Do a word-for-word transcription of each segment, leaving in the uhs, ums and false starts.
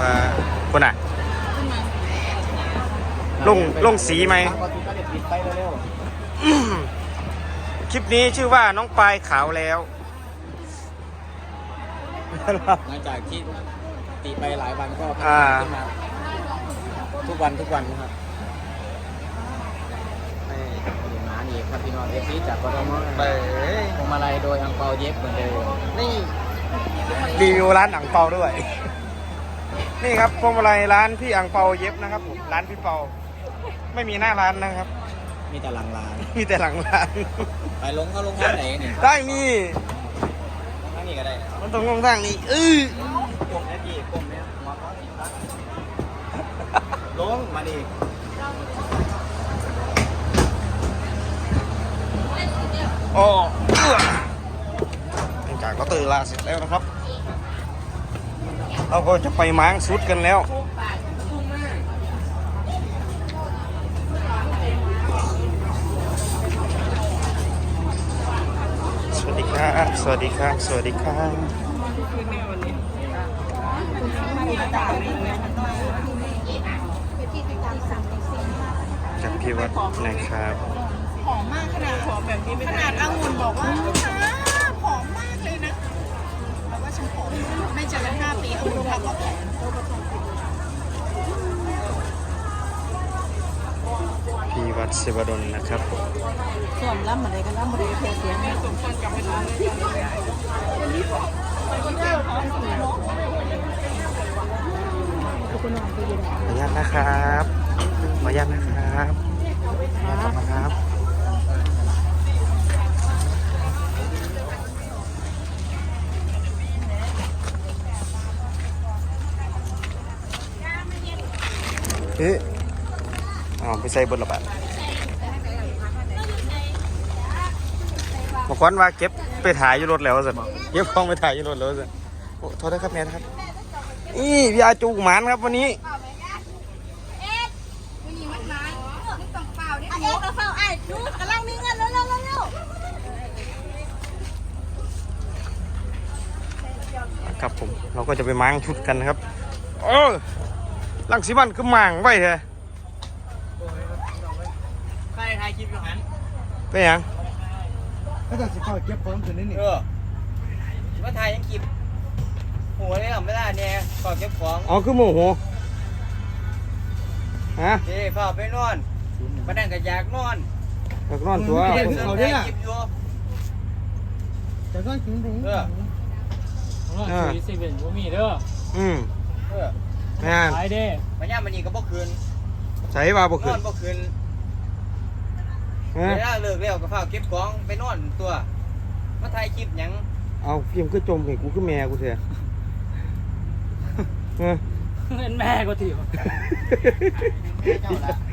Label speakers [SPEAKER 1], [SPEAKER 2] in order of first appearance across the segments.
[SPEAKER 1] ว่าคนอ่ะลงลงสีไหมคลิปนี้ชื่อว่าน้องปลายขาวแล้ว
[SPEAKER 2] หลังจากที่ตีไปหลายวันก็พัฒนาขึ้นมาทุกวันทุกวันนะครับนี่หมาหนีครับพี่น้องเอฟซีจากกทมไปพวงมาลัยโดยอังเปาเย็บเหมือนเดิม
[SPEAKER 1] นี่รีวิวร้านอังเปาด้วย นี่ครับพวงมาลัยร้านพี่อังเปาเย็บนะครับผมร้านพี่เปาไม่มีหน้าร้านนะครับ
[SPEAKER 2] มีแต่หลังร้าน
[SPEAKER 1] มีแต่หลังร้าน
[SPEAKER 2] ไปลงเขาลงทางไหนเนี่ย
[SPEAKER 1] ได้นี่
[SPEAKER 2] ทางนี้ก็ได้
[SPEAKER 1] มันต้องลงทางนี้เออก
[SPEAKER 2] ลมแค่ดีกลมเนี่ยหัวเขาสีฟ้าลงมาดิ
[SPEAKER 1] โอ้หลังจากก็ตื่นลาเสร็จแล้วนะครับเราก็จะไปม้างสุดกันแล้วสวัสดีครับสวัสดีครับสวัสดีครับจากพี่วัดนะครับ
[SPEAKER 3] ผอมมากขนาดผอมแบบนี้ขนาดองุ่นบอกว่าผอมมากเลยนะแล้วว่าฉันผอมไม่เจอกันห้าปีองุ่นทักว่าผอม
[SPEAKER 1] พี่วัดศิวดลนะครับ
[SPEAKER 3] ส่วนล่ำอะไรกันล่ำอะไรเพียเสียงเนี่ยสมควรกลับไปดู
[SPEAKER 1] ขออนุญาตนะครับขออนุญาตนะครับขออนุญาตนะครับเฮ้ยอ๋อไปใส่บนระบาดบอกว่าเก็บไปถ่ายอยู่รถแล้วสิเก็บของไปถ่ายอยู่รถแล้วสิโอ้โทษนะครับแม่นะครับนี่พี่อาจูหมานครับวันนี้ครับผมเราก็จะไปม้างชุดกันนะครับเออลังสีมันก็ม้างไว้เถอะ
[SPEAKER 2] ใครถ่ายคลิปอยู่หัน
[SPEAKER 1] เป็นยัง
[SPEAKER 4] ก็จะสิเข้าเก็บของตัวนี้นี่
[SPEAKER 2] เออมาถ่ายยังคลิปหัวเลยหรอไม่ได้เนี่ยขอเก็บของ
[SPEAKER 1] อ๋อคือโมโหฮะ
[SPEAKER 2] เดี๋ยวฝ่าไปนอนมานั่งกับอยากนอน
[SPEAKER 1] อยากนอนตัว
[SPEAKER 2] เขาได้คลิปอยู่
[SPEAKER 4] แต่ก็กินไป
[SPEAKER 2] เออ
[SPEAKER 5] เออสี่สิบเอ็ดว่ามีเด้อ
[SPEAKER 1] อืม
[SPEAKER 2] เออ
[SPEAKER 1] แม่
[SPEAKER 5] ไปเด้
[SPEAKER 2] มันย่ามันนี่ก็บ่คืน
[SPEAKER 1] ใส่บาบ่คืน
[SPEAKER 2] นอนบ่คืนเวลาเลิกแล้วก็ฝ่าเก็บของไปนอนตัวมาถ่ายคลิปหยัง
[SPEAKER 1] เอาเพียงคือจมเห็นกูคือแม่กูเถอะ
[SPEAKER 5] เป็นแม่กูถีบ
[SPEAKER 2] เจ้าละ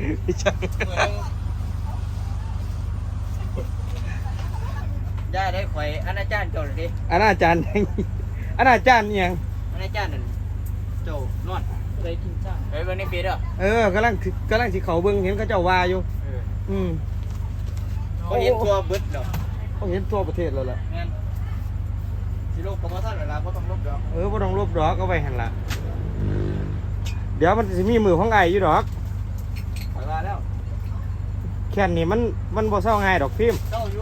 [SPEAKER 2] ย่าได้ข่อยอนาจารย์เจ้าเลยดิ
[SPEAKER 1] อนาจารย์อนาจารย์ยัง
[SPEAKER 2] อนาจารย์นั่นเจ้านอน
[SPEAKER 5] ได้กินจ้า
[SPEAKER 2] ไปเบิ่งในปีเด้อ
[SPEAKER 1] เออกำลังกำลังสิเขาเบิ่งเห็นเขาเจ้าว่าอยู่อืม
[SPEAKER 2] เขาเห็นตัวเบิดดอก
[SPEAKER 1] เขาเห็นทั่วประเทศแล้วล่ะ
[SPEAKER 2] งั้นสิลบกับมาท่านเวลาบ่ต้องลบดอก
[SPEAKER 1] เออบ่ต้องลบดอกเอาไว้หั่นล่ะเดี๋ยวมันสิมีมือของไอ้อยู่ดอก
[SPEAKER 2] ไปว่าแล้ว
[SPEAKER 1] แค่นี้มันมันบ่เศร้าง่ายดอกพิมพ์
[SPEAKER 2] เจ้าอยู่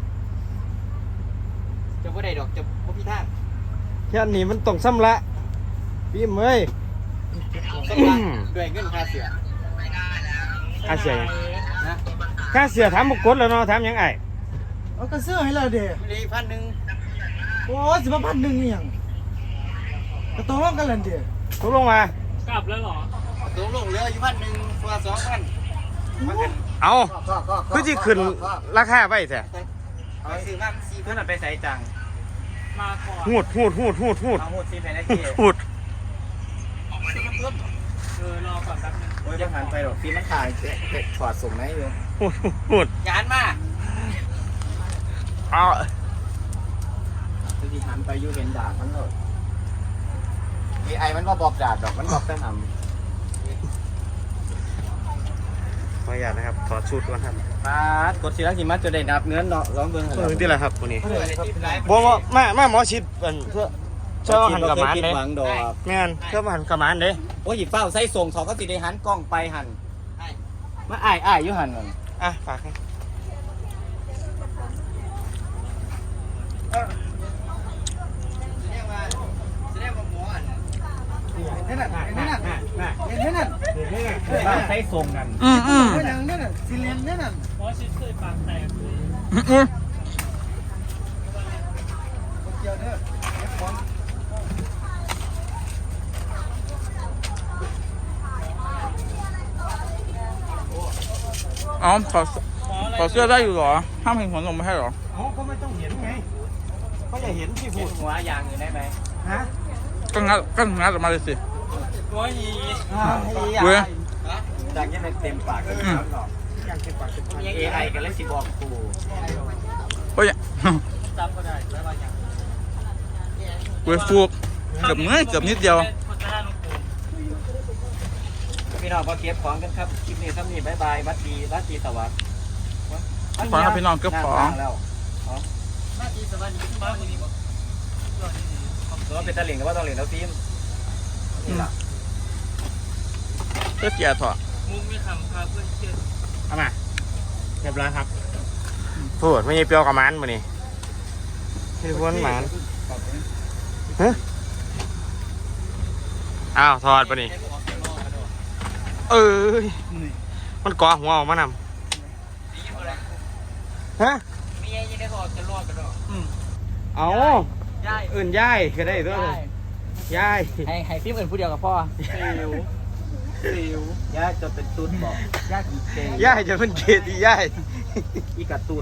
[SPEAKER 2] จะบ่ได้ดอกจะบ่มีทาง
[SPEAKER 1] แค่นี้มันต้องซ้ำละพิมพ์เอ้ย
[SPEAKER 2] ซ้ำละด้วยเงินค่าเสีย
[SPEAKER 1] ค่าเสีย
[SPEAKER 2] นะ
[SPEAKER 1] ค่าเสียถามบุกกดแล้วเนาะถามยังไง
[SPEAKER 4] เอากระเสื้อให้เราเด้อ
[SPEAKER 2] มีพันหนึ่ง
[SPEAKER 4] โอ้สิบพันหนึ่งนี่ยังกระโตร้องกันเลยเด้อ
[SPEAKER 1] ตกลงมาก
[SPEAKER 5] ลับแล้วเหรอ
[SPEAKER 2] ตกลงเหลืออยู่พันหนึ่งตัวสองพัน
[SPEAKER 1] เอาคือที่ขึ้นราคาไปแท้
[SPEAKER 2] เอาซื้อมาสี่พันไปใส่จัง
[SPEAKER 5] มาก่อน
[SPEAKER 1] หูดหูดหูดหูดหูด
[SPEAKER 2] เอาหูดสี่แผ่นนาที
[SPEAKER 1] หูด
[SPEAKER 5] เออรอก่อนแป๊บนึง
[SPEAKER 2] โอ้ยจะหันไปหรอกฟีมันขาดถอดส่งไหนอยู่
[SPEAKER 1] หูดหูด
[SPEAKER 2] ยานมา
[SPEAKER 1] เอา
[SPEAKER 2] ที่หันไปอยู่เห็นดาบมันเลยมีไอ้มันว่าบอกดาบดอกมันบอกแต่หำ
[SPEAKER 1] ขออนุญาตนะครับถอดชุดก่อนครับ
[SPEAKER 2] มากดสีรักหิมะจะได้นับเนื้อเนาะร้องเบิ้ง
[SPEAKER 1] เออที่ไรครับวันนี้บอกว่ามามาหมอชิดเพื่อเชื่อว่าหันกับหมาน
[SPEAKER 2] คิด
[SPEAKER 1] เด้
[SPEAKER 2] หวังดอก
[SPEAKER 1] แม่นเชื่อว่าหันกับหมานเด้
[SPEAKER 2] โอ้ยหยิบเฝ้าใส่ส่งเขาก็สิได้หันกล้องไปหันมาอ้ายอ้ายอยู่หันนั่น
[SPEAKER 1] อ่ะฝากให้
[SPEAKER 4] นั่นน่ะนั่นน่ะเห็นไหมนั่น
[SPEAKER 2] เฝ้าใส่ส่งนั่น
[SPEAKER 1] อืมอืม
[SPEAKER 4] นั่นน่ะนั่นน่ะสีเหลืองนั่นน่ะ
[SPEAKER 5] เพราะชิดเคยปากแตกเลย
[SPEAKER 1] อืม
[SPEAKER 4] เกี่ยวเด้อเก็บของ
[SPEAKER 6] อ๋อขอขอเสื้อได้อยู่เหรอห้ามเห็นหัวนมไม่ให้เหรอ
[SPEAKER 1] เขาก็ไม่ต้องเห็นไงเขาจะเห็นที่พูด
[SPEAKER 2] หัวยางอยู่ได้ไหม
[SPEAKER 1] ฮะ
[SPEAKER 6] ก็งัดก็งัดออกมาเลยสิ
[SPEAKER 5] ตัวยี
[SPEAKER 6] เว้ย
[SPEAKER 2] ดังยังเต็มปากเลย
[SPEAKER 6] อืม
[SPEAKER 1] อย่างเก็บปากเก็บปาก
[SPEAKER 2] เอไอกันเลยสิบอกกู
[SPEAKER 6] โอ้ย
[SPEAKER 5] จำก็ได้แล้วว่าอย่าง
[SPEAKER 6] เว้ยฟูกเกือบเมื่อยเกือบนิดเดียว
[SPEAKER 5] คนจะได้ลงปูน
[SPEAKER 2] พี่น้องพอเก็บของกันครับคลิปนี้ซ้ำนี่บายบายวัดดีวัดดีสวัสดิ์
[SPEAKER 6] ขอให้พี่น้องเก็บของ
[SPEAKER 2] แล้ว
[SPEAKER 5] หน้าที่สวัสดีบ้านคนนี้บอก
[SPEAKER 2] ตัวเป็นตะเหลิงกับว่าตะเหลิงแล้วฟิล์มนี่ล่ะ
[SPEAKER 6] เสื้อเกียร์ถอด
[SPEAKER 5] มุ้งไม่ขำพาเพื่อนเชื่อ
[SPEAKER 1] เอามาเรียบร้อยครับพูดไม่ใช่เปรี้ยวกับหมันมานี่ที่พ้นหมันฮะอ้าวถอดปะนี่เอ้ยมันก่อหัวออกมานำฮะ
[SPEAKER 2] มีไอ้ยังได้บอกจะรอดกันหรอ
[SPEAKER 1] เอา
[SPEAKER 2] ย่าย
[SPEAKER 1] อื่นย่ายก็ได้ด้วยย่าย
[SPEAKER 2] ให้ให้ฟิล์มอื่นผู้เดียวกับพ่อซิวซิวย่าจะเป็นตุ๊ดบอกย่ากี่เกย์
[SPEAKER 1] ย่ายจะเป็นเกตอีย่าย
[SPEAKER 2] อีกระตุ๊ด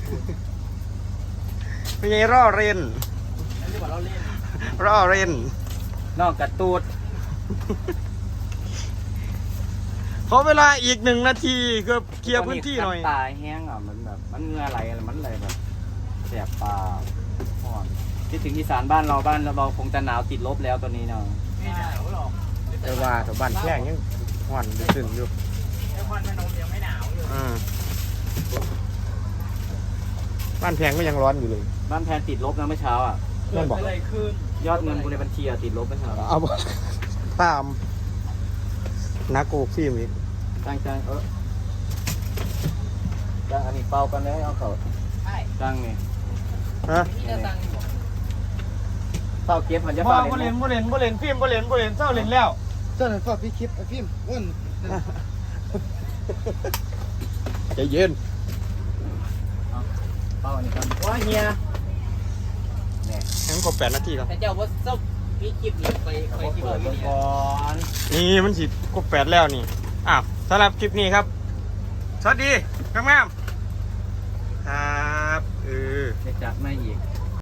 [SPEAKER 1] ไม่ใช่ร่อเรน
[SPEAKER 2] นั่นเรียกว่าเราเล่น
[SPEAKER 1] ร่อเรน
[SPEAKER 2] นอกกระตุ๊ด
[SPEAKER 1] ขอเวลาอีกหนึ่งนาทีก็เคลียร์พื้นที่หน่อย
[SPEAKER 2] ตาแห้งอ่ะมันแบบมันเงือไหลอะไรมันอะไรแบบแสบตาอ่อนคิดถึงอีสานบ้านเราบ้านเราคงจะหนาวติดลบแล้วตอนนี้เนาะ
[SPEAKER 5] ไม่หนาวหรอก
[SPEAKER 1] แต่ว่าแถวบ้านแข้งยังห่อนดึงๆอยู่
[SPEAKER 5] ไอ้ควันพนมยังไม่หนาวอยู่
[SPEAKER 1] อืมบ้านแพงก็ยังร้อนอยู่เลย
[SPEAKER 2] บ้านแพนติดลบนะเมื่อเช้าอ่ะ
[SPEAKER 5] เกิดอะไรขึ้น
[SPEAKER 2] ยอดเงินกูในบัญชีอ่ะติดลบเมื่อเช้า
[SPEAKER 1] เอาบ่ตามนักโกฟิล์มอีก
[SPEAKER 2] ตั้งใจเออตั้งอันนี้เป่ากันเลยเอาเขาตั้งนี่
[SPEAKER 1] ฮะ
[SPEAKER 2] เป่าเก็บมันจะ
[SPEAKER 1] บ่
[SPEAKER 2] เป่า
[SPEAKER 1] บ่
[SPEAKER 2] เล่
[SPEAKER 1] เล่
[SPEAKER 2] น
[SPEAKER 1] นบ่เล่นบ่เล่นฟิล์มบ่เล่นบ่เล่นเศร้าเล่นแล้ว
[SPEAKER 4] เจ้าหน้าที่พี่คลิปไอ้พิมพ์อ้วน
[SPEAKER 1] ใจเย็น
[SPEAKER 2] เป่าอันนี้กันว้าเฮีย
[SPEAKER 1] ยังครบแปดนาทีแล้ว
[SPEAKER 2] แต่เจ้าว่าเจ้าพี่คลิปนี้ไปไปคลิปเปิดก่อน
[SPEAKER 1] นี่มันสิครบแปดแล้วนี่อ้าวสำหรับคลิปนี้ครับสวัสดีงามๆครับเออ
[SPEAKER 2] จะจัดไม่อีก